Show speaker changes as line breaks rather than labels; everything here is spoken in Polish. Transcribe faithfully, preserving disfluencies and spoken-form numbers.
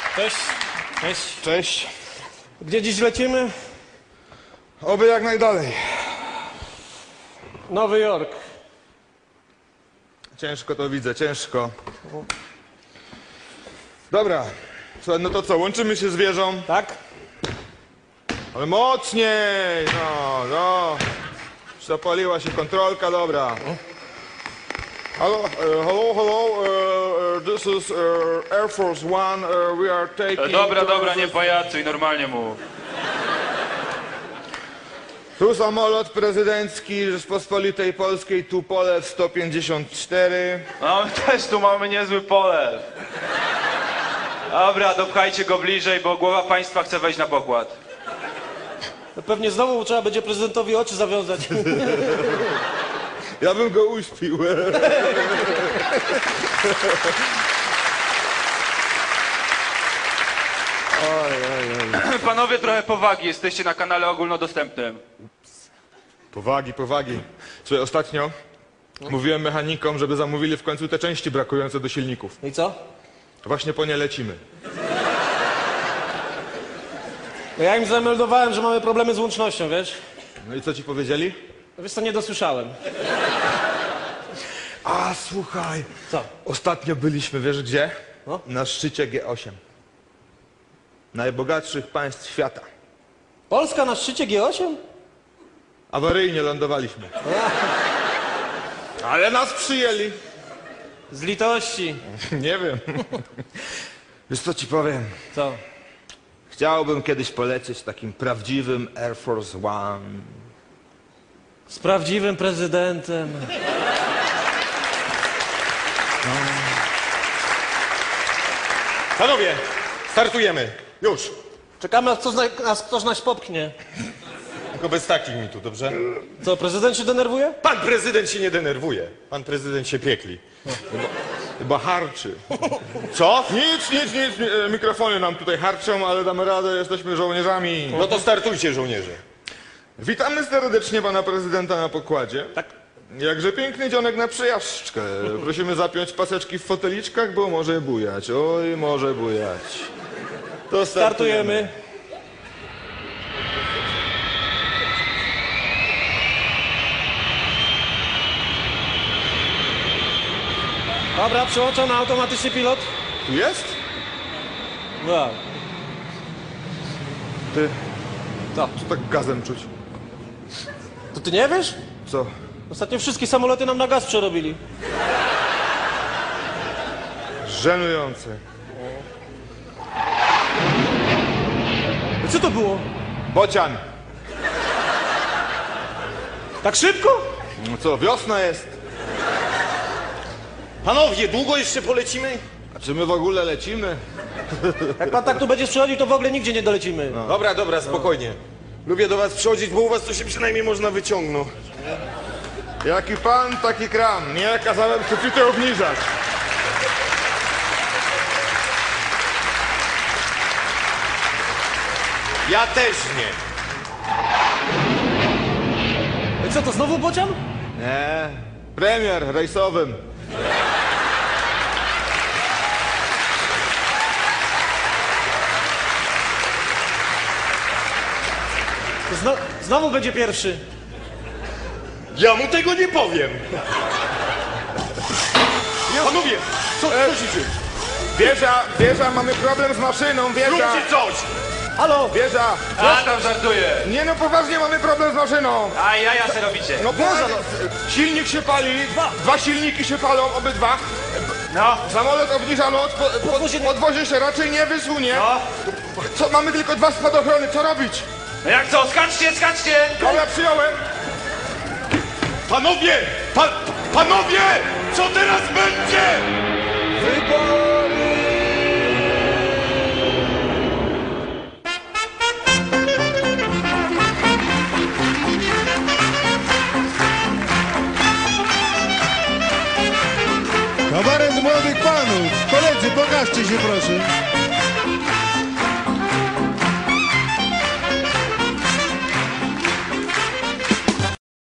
Cześć. Cześć.
Cześć.
Gdzie dziś lecimy?
Oby jak najdalej.
Nowy Jork.
Ciężko to widzę, ciężko. Dobra, słuchaj, no to co, łączymy się z wieżą?
Tak?
Ale mocniej! No, no. Zapaliła się kontrolka, dobra. Hello, uh, hello, hello, uh, uh, this is uh, Air Force One, uh, we are taking...
Dobra, dobra, nie pajacuj, normalnie mów.
Tu samolot prezydencki Rzeczpospolitej Polskiej, Tupolew sto pięćdziesiąt cztery.
No, my też tu mamy niezły polew. Dobra, dopchajcie go bliżej, bo głowa państwa chce wejść na pokład.
No pewnie znowu trzeba będzie prezydentowi oczy zawiązać.
Ja bym go uśpił.
Panowie, trochę powagi, jesteście na kanale ogólnodostępnym.
Powagi, powagi. Słuchaj, ostatnio mówiłem mechanikom, żeby zamówili w końcu te części brakujące do silników.
I co?
Właśnie po nie lecimy.
No ja im zameldowałem, że mamy problemy z łącznością, wiesz?
No i co ci powiedzieli?
No wiesz co, nie dosłyszałem.
A, słuchaj.
Co?
Ostatnio byliśmy, wiesz gdzie?
No?
Na szczycie G osiem. Najbogatszych państw świata.
Polska na szczycie G osiem?
Awaryjnie lądowaliśmy. Ale nas przyjęli.
Z litości.
Nie wiem. Wiesz co ci powiem?
Co?
Chciałbym kiedyś polecieć takim prawdziwym Air Force One.
Z prawdziwym prezydentem.
Panowie, startujemy. Już.
Czekamy, aż ktoś, na, aż ktoś nas popchnie.
Tylko bez takich mi tu, dobrze?
Co, prezydent się denerwuje?
Pan prezydent się nie denerwuje. Pan prezydent się piekli.
Chyba harczy.
Co?
Nic, nic, nic. mi- Mikrofony nam tutaj harczą, ale damy radę, jesteśmy żołnierzami.
No to startujcie, żołnierze.
Witamy serdecznie pana prezydenta na pokładzie.
Tak.
Jakże piękny dzionek na przejażdżkę. Prosimy zapiąć paseczki w foteliczkach, bo może bujać. Oj, może bujać. To
Startujemy. Dobra, przełączam na automatyczny pilot.
Tu jest?
No.
Ty,
Co?
co tak gazem czuć?
To ty nie wiesz?
Co?
Ostatnio wszystkie samoloty nam na gaz przerobili.
Żenujące.
Co to było?
Bocian.
Tak szybko?
No co, wiosna jest?
Panowie, długo jeszcze polecimy?
A czy my w ogóle lecimy?
Jak pan tak tu będziesz przychodził, to w ogóle nigdzie nie dolecimy.
No.
Dobra, dobra, spokojnie. Lubię do was przychodzić, bo u was to się przynajmniej można wyciągnąć.
Jaki pan, taki kram. Nie kazałem sufitu obniżać.
Ja też nie.
I co, to znowu bocian?
Nie. Premier rejsowym.
To zno znowu będzie pierwszy.
Ja mu tego nie powiem. Panowie, co, co się dzieje?
Wieża, wieża, mamy problem z maszyną, wieża.
Róbcie coś!
Halo?
Wieża.
A, tam żartuję.
Nie no, poważnie mamy problem z maszyną.
A ja, ja se robicie.
No Boże, no. Silnik się pali, dwa, dwa silniki się palą, obydwa.
No,
Samolot obniża lot, po, po,
Podwozie-
podwozie się raczej nie wysunie.
no.
Co, mamy tylko dwa spadochrony, co robić?
No jak co, skaczcie, skaczcie!
Dobra, przyjąłem.
Panowie! Pa, panowie! Co teraz będzie?
Wybory!
Kabaret młodych panów. Koledzy, pokażcie się proszę.